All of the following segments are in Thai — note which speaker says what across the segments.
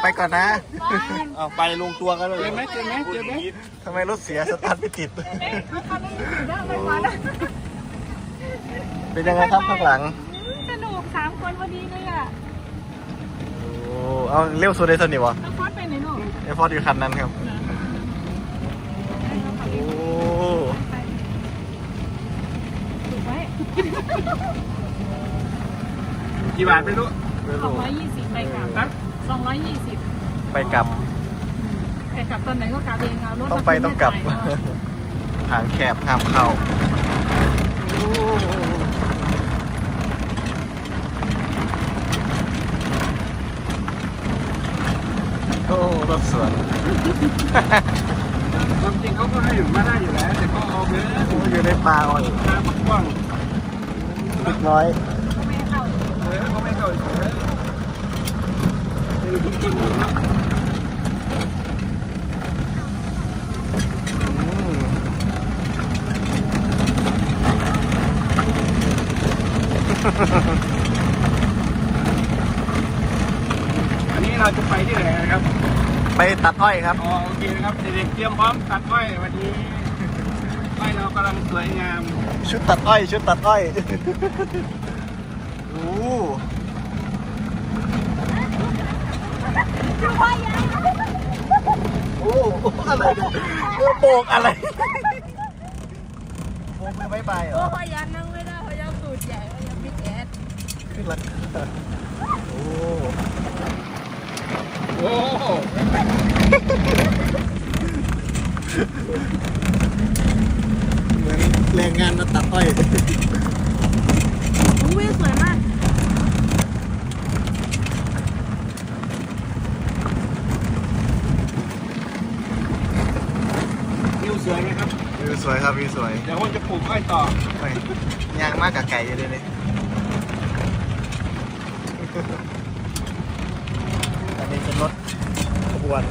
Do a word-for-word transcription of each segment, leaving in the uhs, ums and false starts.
Speaker 1: ไปก่อนนะ
Speaker 2: เอาไปลงตัวกันเลย
Speaker 3: เจอไหมเจอไหมเจอไหม
Speaker 1: ทำไมรถเสียสตาร์ทไม่ติด เป็นยังไงครับข้างหลัง
Speaker 4: สนุกสามคนพอดีเลยอ่ะ
Speaker 1: โอ้เอาเร็วสุดเลยสนิทวะ
Speaker 4: แล้วฟอสไปไหนหนู
Speaker 1: ไอฟอร์ดอยู่คันนั้นครับโอ้
Speaker 4: ถูกไหม
Speaker 3: กี่บาทไม่รู้
Speaker 1: ไม่
Speaker 4: สอง
Speaker 1: รู้
Speaker 4: ร้อยยี่สิบไปกลับ
Speaker 3: นะ
Speaker 4: สองร้อยยี่สิบ
Speaker 1: ไปกลับ
Speaker 4: ไปกลับตอนไหนก็กลับเองเอารถ
Speaker 1: ต้องไปต้องกลับทางแคบห้ามเข้าโอ้รถสวน
Speaker 3: ความจริงเขาก็ให้อยู่มาได้อยู่แล้วแต่เขาเอาเนื้อ
Speaker 1: โอ้อยู่ในป่าอ่อน
Speaker 3: ตามกว้าง
Speaker 1: เล็กน้อย
Speaker 4: ไม่เข้า
Speaker 3: เออเขาไม่เข้าเฉยไม่รู้จริงๆนะ
Speaker 1: อืม
Speaker 3: อันนี้เราจะไปที่ไหนนะครับ
Speaker 1: ไปตัดอ้อยครับ
Speaker 3: อ๋อโอเคนะครับเด็กๆเตรียมพร้อมตัดอ้อยวันนี้อ้อยเรากำลังสวยงาม
Speaker 1: ชุดตัดอ้อย ชุดตัดอ้อยโอ้โอ้อะไรเนี่ยโบกอะไรโบกมือไม่ไปเหรอ
Speaker 4: พยานนั่งไม่ได้พยานสูตรใหญ่พยานพิกแอด
Speaker 1: ขึ้นละโอ้
Speaker 3: โอ้โห
Speaker 1: เหมือนแรงงานมาตัดอ้อย
Speaker 4: วิวสวยมาก
Speaker 3: วิวสวยไหมครับ
Speaker 1: วิวสวยครับวิวสวย
Speaker 3: เดี๋ยวผมจะปลูกอ้อยต่อ
Speaker 1: ไปยางมากกับไก่อยู่เลยนี่อันนี้เป็นรถขบวน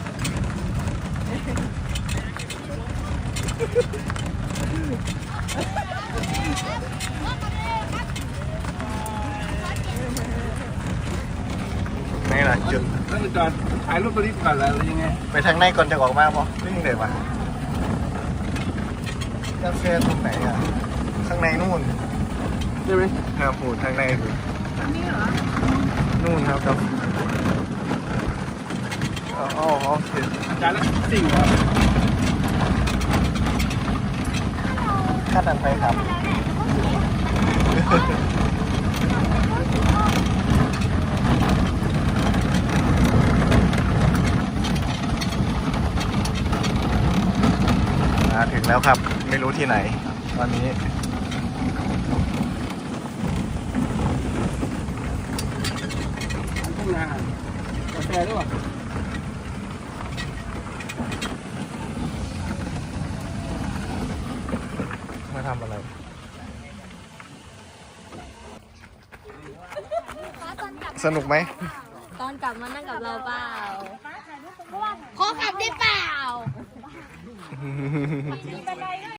Speaker 1: นี่แหละจุด
Speaker 3: แล้วจะจอดถ่ายรูปตัวนี้ก่อนแล้วหรือยังไง
Speaker 1: ไปทางในก่อนจะออกมาปะนี่ยังไงวะกาแฟตรงไหนอ่ะ ข้างในนู่น
Speaker 3: ใช่ไหม
Speaker 1: ครับผูดทางในสิ
Speaker 4: อันนี้เหรอ
Speaker 1: นู่นครับครับอ๋ออ๋อโอเค
Speaker 3: อาจารย์แล้วสิ่งเหรอ
Speaker 1: ขั้นนั้นไปครับ มาถึงแล้วครับ ไม่รู้ที่ไหน ตอนนี้
Speaker 3: ทุ่งนากาแฟด้วย
Speaker 1: มาทำอะไร สนุกไหม
Speaker 5: ตอนกลับมานั่งกับเราเปล่าขอขับได้เปล่า